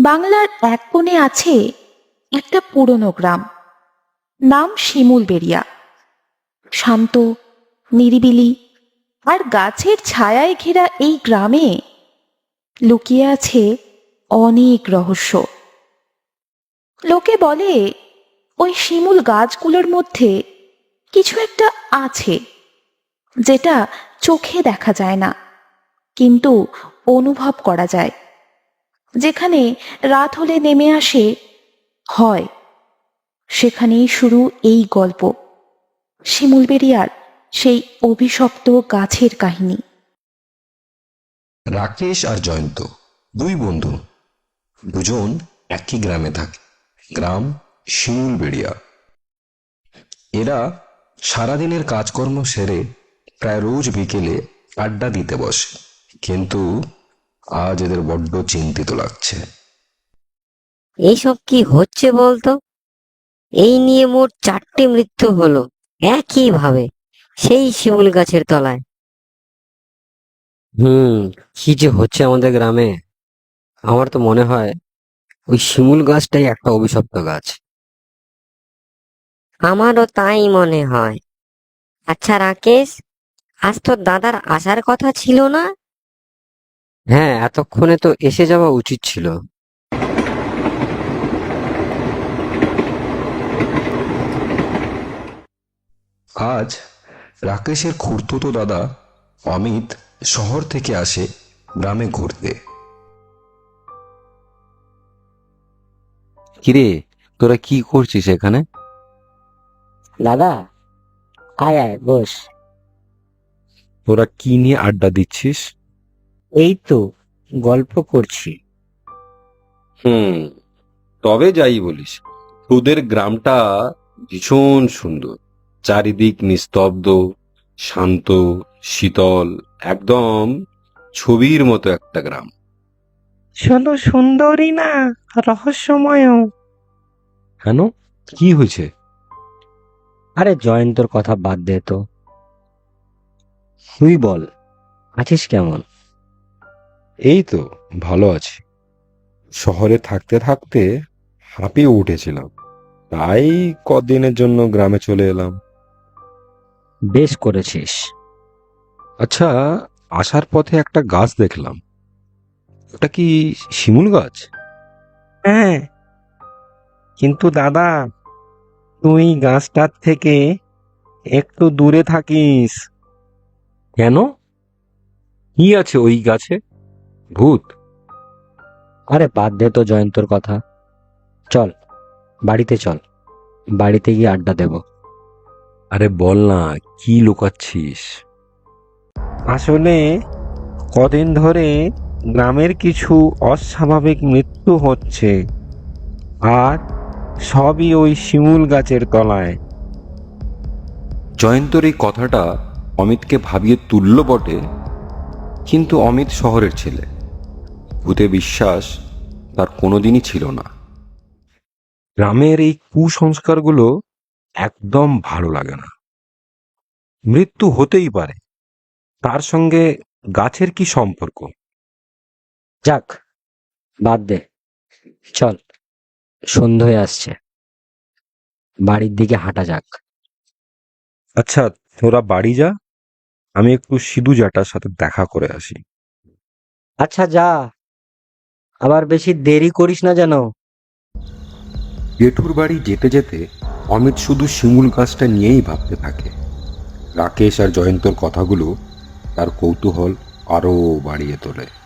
বাংলার এক কোণে আছে একটা পুরনো গ্রাম, নাম শিমুলবেড়িয়া। শান্ত, নিরিবিলি আর গাছের ছায়ায় ঘেরা এই গ্রামে লুকিয়ে আছে অনেক রহস্য। লোকে বলে ওই শিমুল গাছগুলোর মধ্যে কিছু একটা আছে, যেটা চোখে দেখা যায় না, কিন্তু অনুভব করা যায়। যেখানে রাত হলে নেমে আসে হয়, সেখানেই শুরু এই গল্প, শিমুলবেড়িয়ার সেই অভিশপ্ত গাছের কাহিনী। রাকেশ আর জয়ন্ত দুই বন্ধু, দুজন একই গ্রামে থাকে। গ্রাম শিমুলবেড়িয়া। এরা সারাদিনের কাজকর্ম সেরে প্রায় রোজ বিকেলে আড্ডা দিতে বসে, কিন্তু আজ এদের বড্ড চিন্তিত লাগছে। এইসব কি হচ্ছে বলতো? এই নিয়ে মোট 4টে মৃত্যু হলো একই ভাবে, সেই শিমুল গাছের তলায়। কি যে হচ্ছে আমাদের গ্রামে! আমার তো মনে হয় ওই শিমুল গাছটাই একটা অভিশপ্ত গাছ। আমারও তাই মনে হয়। আচ্ছা রাকেশ, আজ তোর দাদার আসার কথা ছিল না? হ্যাঁ, এতক্ষণে তো এসে যাওয়া উচিত ছিল। আজ রাকেশের খুড়তুতো দাদা অমিত শহর থেকে আসে গ্রামে ঘুরতে। কিরে, তোরা কি করছিস এখানে? দাদা, আয় আয় বস। তোরা কি নিয়ে আড্ডা দিচ্ছিস? এই তো গল্প করছি। তবে যাই বলিস, তোদের গ্রামটা ভীষণ সুন্দর। চারিদিক নিস্তব্ধ, শান্ত, শীতল, একদম ছবির মতো একটা গ্রাম। শুধু সুন্দরী না, রহস্যময়ও। কেন, কি হয়েছে? আরে জয়ন্তর কথা বাদ দে তো, তুই বল, আছিস কেমন? এই তো ভালো আছি। শহরে থাকতে থাকতে হাঁপিয়ে উঠেছিলাম, তাই কদিনের জন্য গ্রামে চলে এলাম। বেশ করেছিস। আচ্ছা, আসার পথে একটা গাছ দেখলাম, ওটা কি শিমুল গাছ? হ্যাঁ, কিন্তু দাদা, তুই গাছটার থেকে একটু দূরে থাকিস। কেন, কি আছে ওই গাছে? ভূত? আরে বাদ দে তো জয়ন্তর কথা, চল বাড়িতে চল, বাড়িতে গিয়ে আড্ডা দেব। আরে বল না, কি লুকাচ্ছিস? আসলে কদিন ধরে গ্রামের কিছু অস্বাভাবিক মৃত্যু হচ্ছে, আর সবই ওই শিমুল গাছের তলায়। জয়ন্তর এই কথাটা অমিতকে ভাবিয়ে তুলল বটে, কিন্তু অমিত শহরের ছেলে, ভূতে বিশ্বাস তার কোনোদিনই ছিল না। গ্রামের এই কুসংস্কারগুলো একদম ভালো লাগে না। মৃত্যু হতেই পারে, তার সঙ্গে গাছের কি সম্পর্ক? যাক, বাদ দে, চল, সন্ধে হয়ে আসছে, বাড়ির দিকে হাঁটা যাক। আচ্ছা, তোরা বাড়ি যা, আমি একটু সিধু জ্যাঠার সাথে দেখা করে আসি। আচ্ছা যা, আবার বেশি দেরি করিস না যেন। জেঠুর বাড়ি যেতে যেতে অমিত শুধু শিমুল গাছটা নিয়েই ভাবতে থাকে। রাকেশ আর জয়ন্তর কথাগুলো তার কৌতূহল আরো বাড়িয়ে তোলে।